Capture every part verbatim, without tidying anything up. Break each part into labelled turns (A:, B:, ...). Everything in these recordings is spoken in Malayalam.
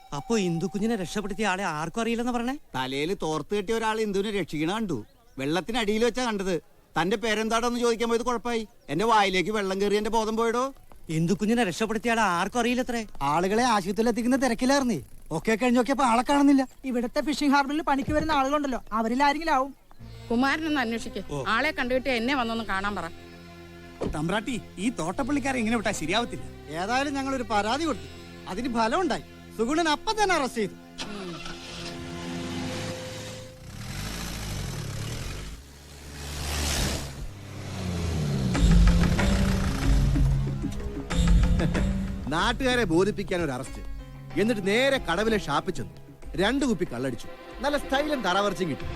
A: അപ്പൊ ഇന്ദു കുഞ്ഞിനെ രക്ഷപ്പെടുത്തിയ ആളെ ആർക്കും അറിയില്ലെന്ന് പറഞ്ഞേ?
B: തലയിൽ തോർത്ത് കെട്ടിയ ഒരാൾ ഇന്ദുവിനെ രക്ഷിക്കണ കണ്ടു. വെള്ളത്തിനടിയിൽ വെച്ചാ കണ്ടത്. തന്റെ പേരെന്താടോന്ന് ചോദിക്കാൻ പോയത് കുഴപ്പമായി. എന്റെ വായിലേക്ക് വെള്ളം കയറി എന്റെ ബോധം പോയിടോ.
A: ഇന്ദു കുഞ്ഞിനെ രക്ഷപ്പെടുത്തിയ ആളെ ആർക്കും അറിയില്ലത്രേ.
C: ആളുകളെ ആശുപത്രിയിൽ എത്തിക്കുന്ന തിരക്കിലായിരുന്നേ. ഒക്കെ കഴിഞ്ഞ് നോക്കിയപ്പോ ആളെ കാണുന്നില്ല.
D: ഇവിടത്തെ ഫിഷിംഗ് ഹാർബറിൽ പണിക്ക് വരുന്ന ആളുകളുണ്ടല്ലോ, അവരിൽ ആരെങ്കിലും ആവും.
E: കുമാരനൊന്ന് അന്വേഷിക്കേ. ആളെ കണ്ടുകിട്ട് എന്നെ വന്നൊന്ന് കാണാൻ പറ.
F: തമ്പ്രാട്ടി, ഈ തോട്ടപ്പള്ളിക്കാരെ ഇങ്ങനെ വിട്ടാ ശരിയാവത്തില്ല.
C: ഏതായാലും ഞങ്ങൾ ഒരു പരാതി കൊടുത്തു. അതിന് ഫലം ഉണ്ടായി. സുഗുണൻ അപ്പം തന്നെ അറസ്റ്റ് ചെയ്തു.
G: നാട്ടുകാരെ ബോധിപ്പിക്കാൻ ഒരു അറസ്റ്റ്. എന്നിട്ട് നേരെ കടവിലെ ഷാപ്പിൽ ചെന്നു. രണ്ടു കുപ്പി കള്ളടിച്ചു. നല്ല സ്റ്റൈലും തറവർച്ചയും കിട്ടി.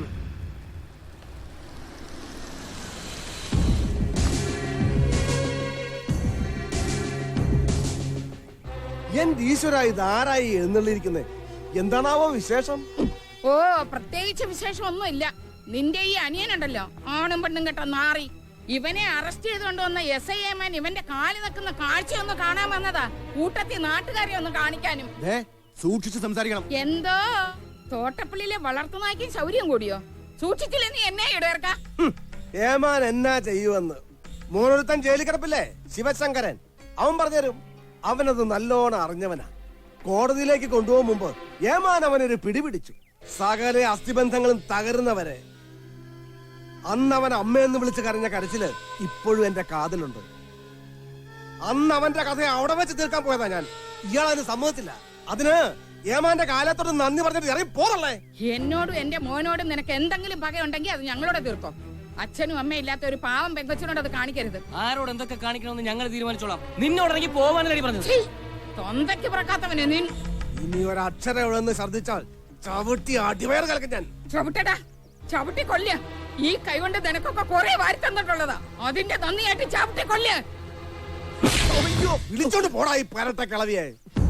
H: എന്റെ ഈശ്വര, ഇത് ആരായി എന്നുള്ളിരിക്കുന്നത്? എന്താണാവോ വിശേഷം?
E: ഓ, പ്രത്യേകിച്ച് വിശേഷം ഒന്നും ഇല്ല. നിന്റെ ഈ അനിയനുണ്ടല്ലോ, ആണും പെണ്ണും കേട്ട നാറി, ഇവനെ അറസ്റ്റ് ചെയ്തുകൊണ്ട് വന്ന എസ് ഐ എമാൻ ഇവന്റെ കാല് നിൽക്കുന്ന കാഴ്ചയൊന്ന് കാണാൻ വന്നതാ. കൂട്ടത്തിൽ നാട്ടുകാരെ ഒന്ന് കാണിക്കാനും.
G: സൂക്ഷിച്ച് സംസാരിക്കണം.
E: എന്തോ തോട്ടപ്പള്ളിയിലെ വളർത്തുനായ്ക്കും ശൗര്യം കൂടിയോ? സൂക്ഷിച്ചില്ല നീ എന്നെ ഇടേർക്ക.
H: ഏമാൻ എന്നാ ചെയ്യുവെന്ന് മൂന്നൊരുത്തൻ ജയിലിൽ കിടപ്പില്ലേ, ശിവശങ്കരൻ. അവൻ പറഞ്ഞുതരും. അവനത് നല്ലോണം അറിഞ്ഞവനാ. കോടതിയിലേക്ക് കൊണ്ടുപോകും മുമ്പ് ഏമാൻ അവനൊരു പിടിപിടിച്ചു. സകല അസ്ഥിബന്ധങ്ങളും തകരുന്നവരെ. അന്ന് അവൻ അമ്മയെന്ന് വിളിച്ച് കരഞ്ഞ കരച്ചില് ഇപ്പോഴും എന്റെ കാതിലുണ്ട്. അന്ന് അവന്റെ കഥ അവിടെ വെച്ച് തീർക്കാൻ പോയതാ ഞാൻ. ഇയാളതിന് സമ്മതിച്ചില്ല. അതിന് ഏമാന്റെ കാലത്തോട് നന്ദി പറഞ്ഞിട്ട് ഇറങ്ങി പോറല്ലേ.
E: എന്നോടും എന്റെ മോനോടും നിനക്ക് എന്തെങ്കിലും പകയുണ്ടെങ്കിൽ അത് ഞങ്ങളോട് തീർക്കോ. അച്ഛനും അമ്മയും ഇല്ലാത്ത ഒരു പാവം പെങ്കൊച്ചിനോട് അത് കാണിക്കരുത്.
I: ആരോട് എന്തൊക്കെ കാണിക്കണമെന്ന് ഞങ്ങൾ തീരുമാനിച്ചോളാം. നിന്നോടിറങ്ങി പോവാനല്ലേ പറഞ്ഞത്?
E: തൊന്തയ്ക്ക് പിറക്കാത്തവനെ നീ.
H: ഇനി ഒരക്ഷരം എവിടെന്ന് ഛർദിച്ചാൽ ചവിട്ടി അടിവയർ കലക്കും ഞാൻ.
E: ചവിട്ടടാ, ചവിട്ടി കൊല്ല. ഈ കൈകൊണ്ട് നിനക്കൊക്കെ കുറെ വാരി തന്നിട്ടുള്ളതാ. അതിന്റെ നന്ദിയായിട്ട് ചവിട്ടി കൊല്ല.
H: വിളിച്ചോണ്ട് പോടാ ഈ പരട്ട കളവിയെ.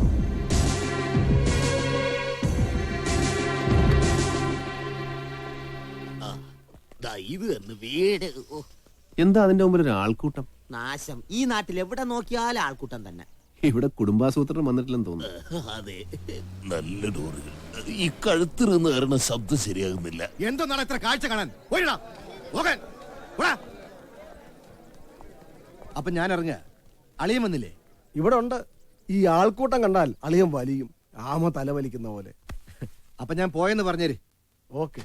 G: എന്താ അതിന്റെ മുമ്പിൽ ഒരു ആൾക്കൂട്ടം?
B: നാശം. ഈ നാട്ടിൽ എവിടെ നോക്കിയാലും ആൾക്കൂട്ടം തന്നെ.
G: ഇവിടെ കുടുംബാസൂത്രം വന്നിട്ടില്ലെന്ന് തോന്നുന്നു.
J: അതെ, നല്ല ഡോറുകൾ. ഈ കഴുത്തിൽ നിന്ന് കയറുന്ന ശബ്ദം ശരിയാകുന്നില്ല.
G: എന്താണ് ഇത്ര കാഴ്ച കാണാൻ? അപ്പൊ ഞാൻ ഇറങ്ങ. അളിയൻ വന്നില്ലേ?
H: ഇവിടെ ഉണ്ട്. ഈ ആൾക്കൂട്ടം കണ്ടാൽ അളിയൻ വലിയും. ആമ തല വലിക്കുന്ന പോലെ.
G: അപ്പൊ ഞാൻ പോയെന്ന് പറഞ്ഞേര്.
H: ഓക്കെ.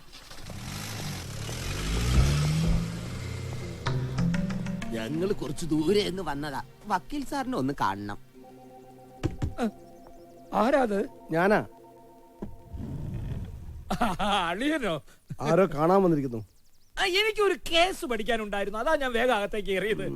B: ഞങ്ങൾ കുറച്ചു ദൂരെ എന്ന് വന്നതാ. വക്കീൽ സാറിനെ ഒന്ന് കാണണം.
F: ആരാത്?
H: ഞാനാ.
F: അളിയനോ?
H: ആരോ കാണാൻ വന്നിരിക്കുന്നു.
F: എനിക്കൊരു കേസ് പഠിക്കാനുണ്ടായിരുന്നു, അതാ ഞാൻ വേഗം അകത്തേക്ക് കയറിയത്.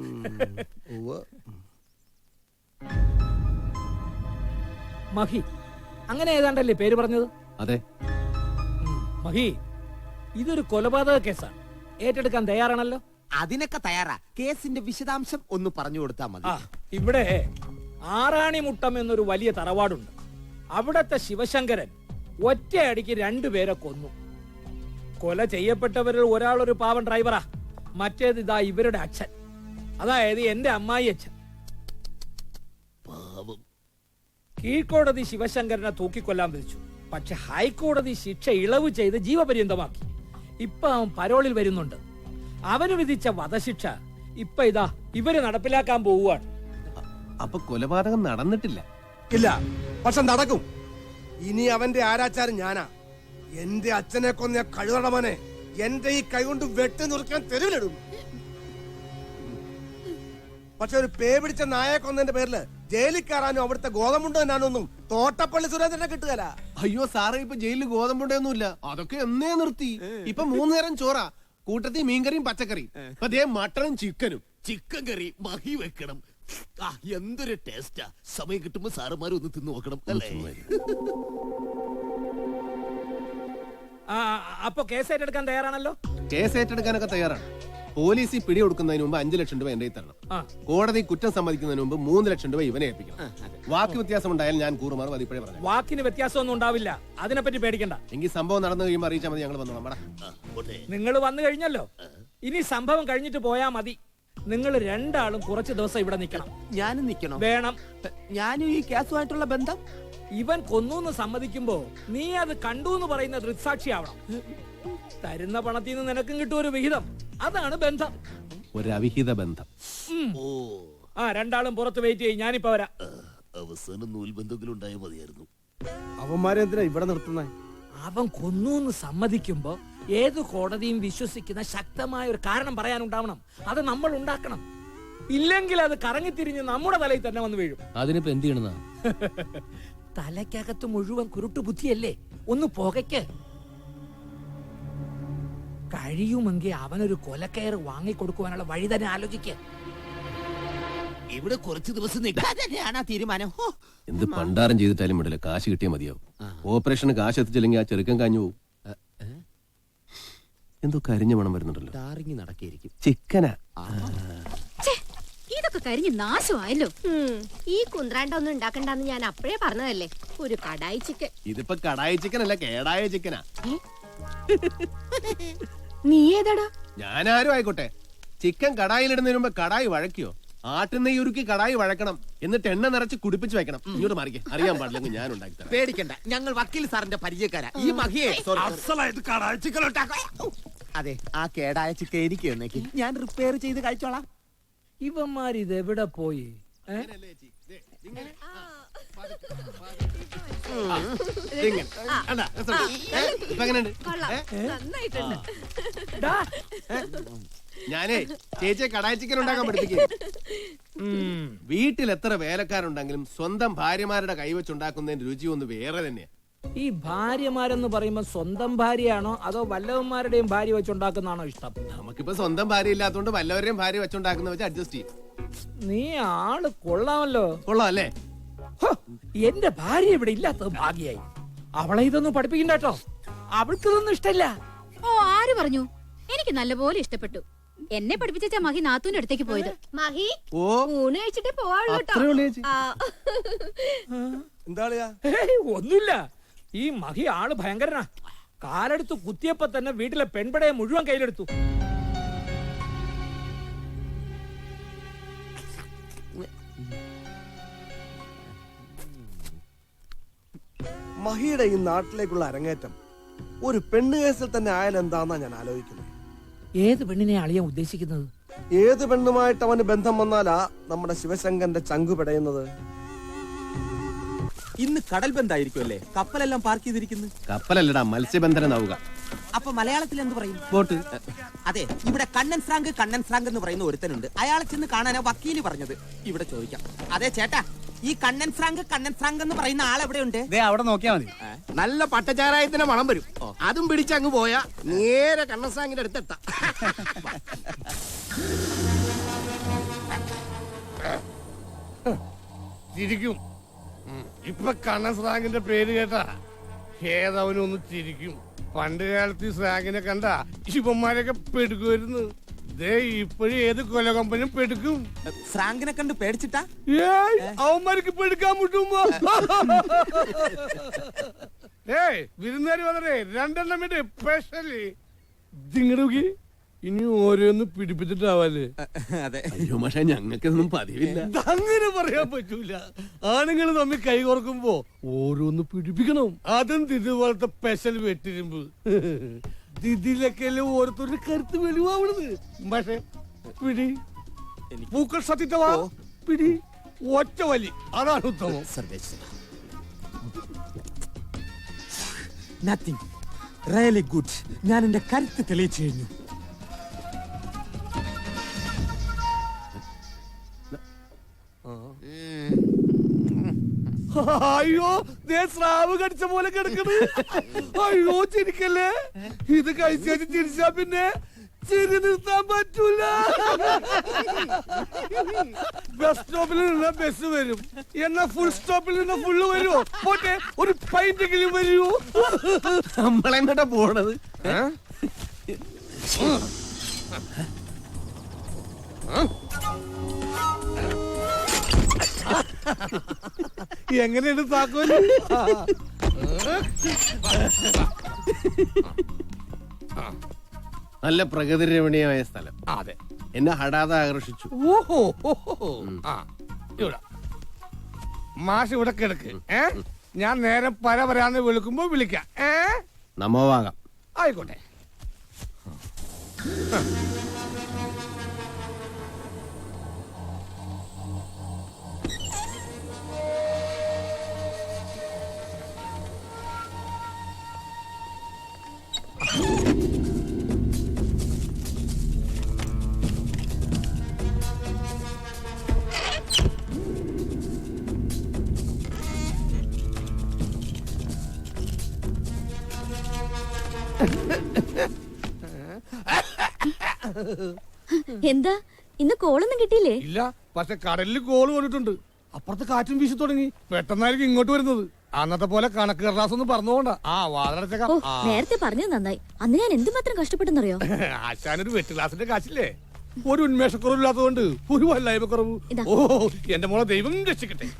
F: മഹി, അങ്ങനെ ഏതാണ്ടല്ലേ പേര് പറഞ്ഞത്?
G: അതെ.
F: മഹി, ഇതൊരു കൊലപാതക കേസാണ്. ഏറ്റെടുക്കാൻ തയ്യാറാണല്ലോ?
B: അതിനൊക്കെ തയ്യാറാ. കേസിന്റെ വിശദാംശം ഒന്ന് പറഞ്ഞു കൊടുത്താ മതി.
F: ഇവിടെ ആറാണിമുട്ടം എന്നൊരു വലിയ തറവാടുണ്ട്. അവിടത്തെ ശിവശങ്കരൻ ഒറ്റയടിക്ക് രണ്ടുപേരെ കൊന്നു. കൊല ചെയ്യപ്പെട്ടവരിൽ ഒരാളൊരു പാവം ഡ്രൈവറാ. മറ്റേത് ഇതാ ഇവരുടെ അച്ഛൻ, അതായത് എന്റെ അമ്മായി അച്ഛൻ. കീഴ്ക്കോടതി ശിവശങ്കരനെ തൂക്കിക്കൊല്ലാൻ വിധിച്ചു. പക്ഷെ ഹൈക്കോടതി ശിക്ഷ ഇളവ് ചെയ്ത് ജീവപര്യന്തമാക്കി. ഇപ്പൊ അവൻ പരോളിൽ വരുന്നുണ്ട്. അവന് വിധിച്ച വധശിക്ഷ ഇപ്പൊ ഇതാ ഇവര് നടപ്പിലാക്കാൻ പോവുകയാണ്.
G: അപ്പൊ കൊലപാതകം നടന്നിട്ടില്ല?
H: ഇല്ല, പക്ഷെ നടക്കും. ഇനി അവന്റെ ആരാച്ചാരം ഞാനാ. എന്റെ അച്ഛനെ കൊന്ന കഴുതടമനെ എന്റെ ഈ കൈ കൊണ്ട് വെട്ടി നുറുക്കാൻ തെരുവിലിടും. പക്ഷെ ഒരു പേ പിടിച്ച നായെ കൊന്നതിന്റെ പേരില് ജയിലിൽ കയറാനും അവിടുത്തെ ഗോതമ്പുണ്ടോ എന്നാനൊന്നും തോട്ടപ്പള്ളി സുരേന്ദ്രനെ കിട്ടുകയല്ല.
G: അയ്യോ സാറേ, ഇപ്പൊ ജയിലിൽ ഗോതമ്പുണ്ടൊന്നുമില്ല. അതൊക്കെ എന്നേ നിർത്തി. ഇപ്പൊ മൂന്നു നേരം ചോറാ, കൂട്ടത്തിൽ മീൻകറിയും പച്ചക്കറിയും. അതേ മട്ടനും ചിക്കനും.
J: ചിക്കൻ കറി മഹി വെക്കണം. എന്തൊരു ടേസ്റ്റാ. സമയം കിട്ടുമ്പോ സാറുമാരും ഒന്ന് തിന്നു നോക്കണം അല്ലേ?
F: അപ്പൊ കേസ് ഏറ്റെടുക്കാൻ തയ്യാറാണല്ലോ?
G: കേസ് ഏറ്റെടുക്കാനൊക്കെ തയ്യാറാണ്. പോലീസ് പിടി കൊടുക്കുന്നതിന് മുമ്പ് അഞ്ചു ലക്ഷം രൂപ എന്റെ തരണം. കോടതി കുറ്റം സമ്മതിക്കുന്നതിന് മുമ്പ് മൂന്ന് ലക്ഷം രൂപ ഇവനെ ഏൽപ്പിക്കണം. വാക്ക് വ്യത്യാസം ഉണ്ടായാൽ ഞാൻ കൂറുമാറും അതിപ്പോഴേ പറഞ്ഞു.
F: വാക്കിന് വ്യത്യാസമൊന്നും ഉണ്ടാവില്ല, അതിനെപ്പറ്റി പേടിക്കണ്ട.
G: എങ്കിൽ സംഭവം നടന്നു കഴിയുമ്പോൾ അറിയിച്ചാൽ മതി. ഞങ്ങൾ വന്നു നമ്മടെ.
F: നിങ്ങൾ വന്നു കഴിഞ്ഞല്ലോ, ഇനി സംഭവം കഴിഞ്ഞിട്ട് പോയാ മതി. നിങ്ങൾ രണ്ടാളും കുറച്ച് ദിവസം ഇവിടെ നിൽക്കണം.
B: ഞാനും നിൽക്കണം?
F: വേണം.
B: ഞാനും ഈ കേസുമായിട്ടുള്ള ബന്ധം
F: ഇവൻ കൊന്നു സമ്മതിക്കുമ്പോ നീ അത് കണ്ടു എന്ന് പറയുന്ന ദൃക്സാക്ഷിയാവണം. തരുന്ന പണത്തിൽ നിന്ന് നിനക്കും കിട്ടും ഒരു വിഹിതം. അതാണ് ബന്ധം.
G: ഒരു അവിഹിത ബന്ധം.
J: ഓ
F: ആ രണ്ടാളും പുറത്ത് വെയിറ്റ് ചെയ്യും, ഞാനിപ്പോ വരാം.
J: അവസാനം നൂൽബന്ധെങ്കിലും ഉണ്ടായാൽ മതിയായിരുന്നു.
H: അവന്മാരെ എന്തിനാ ഇവിടെ നിർത്തുന്നേ?
F: അവൻ കൊന്നു സമ്മതിക്കുമ്പോ ഏത് കോടതിയും വിശ്വസിക്കുന്ന ശക്തമായ ഒരു കാരണം പറയാനുണ്ടാവണം. അത് നമ്മൾ ഉണ്ടാക്കണം. ഇല്ലെങ്കിൽ അത് കറങ്ങിത്തിരിഞ്ഞ് നമ്മുടെ തലയിൽ തന്നെ വന്ന് വീഴും.
I: അതിനിപ്പോ എന്ത് ചെയ്യണമെന്നാ?
F: തലയ്ക്കകത്ത് മുഴുവൻ കുരുട്ടു ബുദ്ധിയല്ലേ, ഒന്ന് പുകയ്ക്ക്. കഴിയുമെങ്കിൽ അവനൊരു കൊലക്കയർ വാങ്ങിക്കൊടുക്കുവാനുള്ള വഴി തന്നെ ആലോചിക്ക.
J: ഇവിടെ കുറച്ച് ദിവസം നിൽക്കാനാ തീരുമാനം.
G: എന്ത് പണ്ടാരം ചെയ്തിട്ടാലും വിടില്ല, കാശ് കിട്ടിയാൽ മതിയാവും. ഓപ്പറേഷന് കാശ് എത്തിച്ചില്ലെങ്കിൽ ആ ചെറുക്കൻ കാഞ്ഞു പോവും. എന്തോ കരിഞ്ഞ മണം വരുന്നുണ്ടല്ലോ.
B: ടാറിങ് നടക്കിയിരിക്കും.
G: ചിക്കനാ.
K: ഇതൊക്കെ കരിഞ്ഞ് നാശമായല്ലോ. ഈ കുന്ത്രാണ്ട ഒന്നും ഉണ്ടാക്കണ്ടെന്ന് ഞാൻ അപ്പഴേ പറഞ്ഞതല്ലേ. ഒരു കടായി ചിക്കൻ.
G: ഇതിപ്പോ കടായി ചിക്കൻ അല്ല, കേടായ ചിക്കനാ.
K: നീ ഏതാടാ?
G: ഞാനാരും ആയിക്കോട്ടെ, ചിക്കൻ കടായിലിടുന്നതിന് മുമ്പ് കടായി വഴക്കിയോ? ആട്ടുനെയ്യ് ഉരുക്കി കടായി വഴക്കണം, എന്നിട്ട് എണ്ണ നിറച്ച് കുടിപ്പിച്ച് വെക്കണം. ഇങ്ങോട്ട് മാറിക്കേ, അറിയാൻ പാടില്ലെങ്കിൽ ഞാൻ ഉണ്ടാക്കി തരാം.
B: പേടിക്കണ്ട, ഞങ്ങൾ വക്കീൽ സാറിന്റെ പരിചയക്കാരാ. ഈ മഹിയെ അതെ, ആ കേടായ ചിക്കൻ എനിക്ക് എന്നേക്ക് ഞാൻ റിപ്പയർ ചെയ്ത് കഴിച്ചോളാം.
F: ഇവന്മാരിത് എവിടെ പോയി?
G: ഞാനേ ചേച്ചിയെ കടായി ചിക്കൻ ഉണ്ടാക്കാൻ പഠിപ്പിക്കും. വീട്ടിൽ എത്ര വേലക്കാരുണ്ടെങ്കിലും സ്വന്തം ഭാര്യമാരുടെ കൈവച്ചുണ്ടാക്കുന്നതിന്റെ രുചി ഒന്ന് വേറെ തന്നെയാ.
F: ഈ ഭാര്യമാരെന്ന് പറയുമ്പോ സ്വന്തം ഭാര്യയാണോ അതോ വല്ലവന്മാരുടെയും ഭാര്യ വെച്ചുണ്ടാക്കുന്നതാണോ ഇഷ്ടം?
G: നമുക്കിപ്പോ സ്വന്തം ഭാര്യ ഇല്ലാത്തതുകൊണ്ട് വല്ലവരെയും ഭാര്യ വെച്ചുണ്ടാക്കുന്ന വെച്ച് അഡ്ജസ്റ്റ് ചെയ്യും.
F: നീ ആള് കൊള്ളാമല്ലോ.
G: കൊള്ളാം അല്ലേ?
F: എന്റെ ഭാര്യ ഇവിടെ ഇല്ലാത്തത് ഭാഗ്യായി. അവളെ ഇതൊന്നും പഠിപ്പിക്കണ്ട കേട്ടോ, അവൾക്ക് ഇതൊന്നും ഇഷ്ടല്ല.
K: ഓ, ആര് പറഞ്ഞു? എനിക്ക് നല്ലപോലെ ഇഷ്ടപ്പെട്ടു. എന്നെ പഠിപ്പിച്ച മഹി നാത്തൂന്റെ അടുത്തേക്ക് പോയത്. മഹി
G: ഓ
K: ഊണ് കഴിച്ചിട്ടേ പോവാള്ളൂ.
F: ഒന്നുമില്ല, ഈ മഹി ആള് ഭയങ്കരനാ. കാലെടുത്ത് കുത്തിയപ്പോ തന്നെ വീട്ടിലെ പെൺപടയെ മുഴുവൻ കയ്യിലെടുത്തു.
H: മഹിയുടെ ഈ നാട്ടിലേക്കുള്ള അരങ്ങേറ്റം ഒരു പെണ്ണ് കേസിൽ തന്നെ ആയാലെന്താന്നാ ഞാൻ ആലോചിക്കുന്നത്.
F: ഏത് പെണ്ണിനെ അളിയാൻ ഉദ്ദേശിക്കുന്നത്?
H: ഏത് പെണ്ണുമായിട്ട് അവന് ബന്ധം വന്നാലാ നമ്മുടെ ശിവശങ്കരന്റെ ചങ്കു പിടയുന്നത്.
B: ഇന്ന് കടൽ ബന്ധായിരിക്കും അല്ലേ? കപ്പലെല്ലാം പാർക്ക് ചെയ്തിരിക്കുന്നു.
G: കപ്പലല്ലടാ, മത്സ്യബന്ധന നൗക.
B: അപ്പൊ മലയാളത്തിൽ എന്ത് പറയും?
G: ബോട്ട്.
B: അതെ, ഇവിടെ കണ്ണൻ ഫ്രാങ്ക് കണ്ണൻ ഫ്രാങ്ക് എന്ന് പറയുന്ന ഒരുത്തനുണ്ട്. അയാളെ ചെന്ന് കാണാനാ വക്കീല് പറഞ്ഞത്. ഇവിടെ ചോദിക്കാം. അതെ ചേട്ടാ, ഈ കണ്ണൻ ഫ്രാങ്ക് കണ്ണൻ ഫ്രാങ്ക് എന്ന് പറയുന്ന ആളെവിടെയുണ്ട്?
C: അവിടെ നോക്കിയാ മതി.
H: നല്ല പട്ടചാരായത്തിന്റെ മണം വരും. അതും പിടിച്ചങ്ങ് പോയാ നേരെ കണ്ണൻ ഫ്രാങ്കിന്റെ അടുത്തെത്താം.
L: ചിരിക്കും. ഇപ്പൊ കണ്ണൻ സ്രാങ്കിന്റെ പേര് കേട്ടാ ഏതവനൊന്ന് ചിരിക്കും. പണ്ട് കാലത്ത് ഈ സ്രാങ്കിനെ കണ്ട ശിവന്മാരൊക്കെ പെടുക്കുമായിരുന്നു. ദേ ഇപ്പോഴും ഏത് കൊല കമ്പനിയും പെടുക്കും.
B: ഫ്രാങ്കിനെ കണ്ട് പേടിച്ചിട്ടാ?
L: അവന്മാർക്ക് പെടുക്കാൻ മുട്ടുമ്പോ ഏയ് വിരുന്നുകാരി വന്നേ രണ്ടെണ്ണം വേണ്ടി സ്പെഷ്യലി ദിങ്ങടുക്കി ഇനി ഓരോന്ന് പിടിപ്പിച്ചിട്ടാവല്ലേ.
B: അതെ.
G: അയ്യോ പക്ഷെ ഞങ്ങൾക്കൊന്നും പതിവില്ല.
L: അങ്ങനെ പറയാൻ പറ്റൂല. ആണുങ്ങൾ തമ്മിൽ കൈ കോർക്കുമ്പോ ഓരോന്ന് പിടിപ്പിക്കണം. അതും ഇതുപോലത്തെ സ്പെഷ്യൽ വെട്ടിരുമ്പ്. ഇതിലൊക്കെ ഓരോരുത്തരുടെ കരുത്ത് വെളിവാവണത്. പക്ഷെ പിടി പൂക്കൾ സത്യത്തവാ പിടി ഒറ്റ വലി, അതാണ് ഉത്തമം.
B: Nothing really good. ഞാൻ എന്റെ കരുത്ത് തെളിയിച്ചു കഴിഞ്ഞു.
L: അയ്യോ, ദേ സ്രാവ് കടിച്ച പോലെ കിടക്കുന്നത്. അയ്യോ ചിരിക്കല്ലേ. ഇത് കഴിച്ചു ചിരിച്ചാ പിന്നെ ചിരി നിർത്താൻ പറ്റൂല. ബസ് സ്റ്റോപ്പിൽ നിന്ന് ബസ് വരും, എന്നാ ഫുൾ സ്റ്റോപ്പിൽ നിന്ന് ഫുള്ള് വരുമോ? പോട്ടെ, ഒരു പൈന്റെങ്കിലും വരുമോ?
G: നമ്മളെങ്ങോട്ടാ പോണത്?
L: എങ്ങനെയുണ്ട് താക്കോല്?
G: നല്ല പ്രകൃതി രമണീയമായ സ്ഥലം.
L: അതെ,
G: എന്നെ ഹഠാതെ ആകർഷിച്ചു.
L: ഓഹോ, ആ ഇവിടെ മാഷ് ഇവിടെ കിടക്ക്. ഏ ഞാൻ നേരെ പര വരാന്ന് വിളിക്കുമ്പോ വിളിക്കാം. ഏ
G: നമോവാകാം.
L: ആയിക്കോട്ടെ.
K: എന്താ ഇന്ന് കോളൊന്നും കിട്ടിയില്ലേ?
L: ഇല്ല, പക്ഷെ കടലിൽ കോള് കൊണ്ടിട്ടുണ്ട്. അപ്പുറത്ത് കാറ്റും വീശി തുടങ്ങി. പെട്ടെന്നായിരിക്കും ഇങ്ങോട്ട് വരുന്നത്. അന്നത്തെ പോലെ കണക്ക് കടലാസ് ഒന്നും പറഞ്ഞുകൊണ്ടാ. ആ വാതിലടച്ചേക്കാം.
K: നേരത്തെ പറഞ്ഞത് നന്നായി. അന്ന് ഞാൻ എന്തുമാത്രം കഷ്ടപ്പെട്ടെന്നറിയോ?
L: ആശാനൊരു വെറ്റ് ക്ലാസിന്റെ കാശില്ലേ? ഒരു ഉന്മേഷക്കുറവില്ലാത്തതുകൊണ്ട് ഒരു വല്ലായ്മ കുറവ്. ഓ എന്റെ മോളെ ദൈവം രക്ഷിക്കട്ടെ.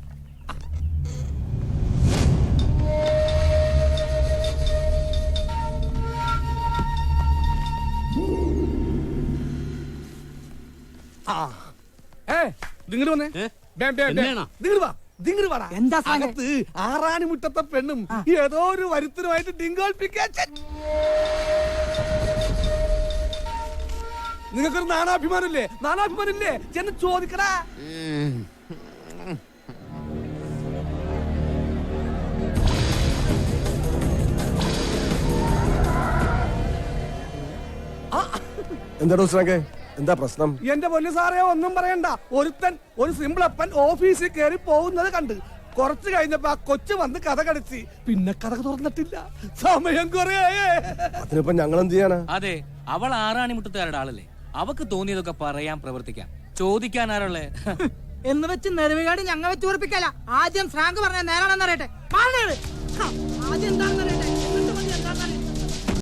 L: ആറാണി മുറ്റത്തെ പെണ്ണും ഏതോ ഒരു വരുത്തനുമായിട്ട് ഡിങ്കോൾപ്പിക്കാൻ. നിങ്ങൾക്കൊരു നാനാഭിമാനമില്ലേ? നാനാഭിമാനമില്ലേ? ചെന്ന് ചോദിക്കടാ.
H: എന്താടോ ശ്രാങ്കേ, എന്താ പ്രശ്നം?
L: എന്റെ പൊന്നു സാറേ, ഒന്നും പറയണ്ട. ഒരുത്തൻ ഒരു സിമ്പിൾ അപ്പൻ ഓഫീസിൽ കയറി പോകുന്നത് കണ്ട് കുറച്ചു കഴിഞ്ഞപ്പോ ആ കൊച്ചു വന്ന് കഥ കടച്ച് പിന്നെ കഥ തുറന്നിട്ടില്ല. സമയം കുറേ.
H: അതിനിപ്പോ ഞങ്ങൾ എന്ത് ചെയ്യാനാ?
I: അതെ, അവൾ ആറാണി മുട്ടത്തുകാരുടെ ആളല്ലേ. അവക്ക് തോന്നിയതൊക്കെ പറയാൻ പ്രവർത്തിക്കാം. ചോദിക്കാൻ ആരുള്ളേ?
D: എന്ന് വെച്ച് നെരവികാട് ഞങ്ങൾ വെച്ച് ഉറപ്പിക്കല. ആദ്യം ഫ്രാങ്ക് പറഞ്ഞ നേരാണെന്ന് അറിയട്ടെ. ആദ്യം എന്താണ്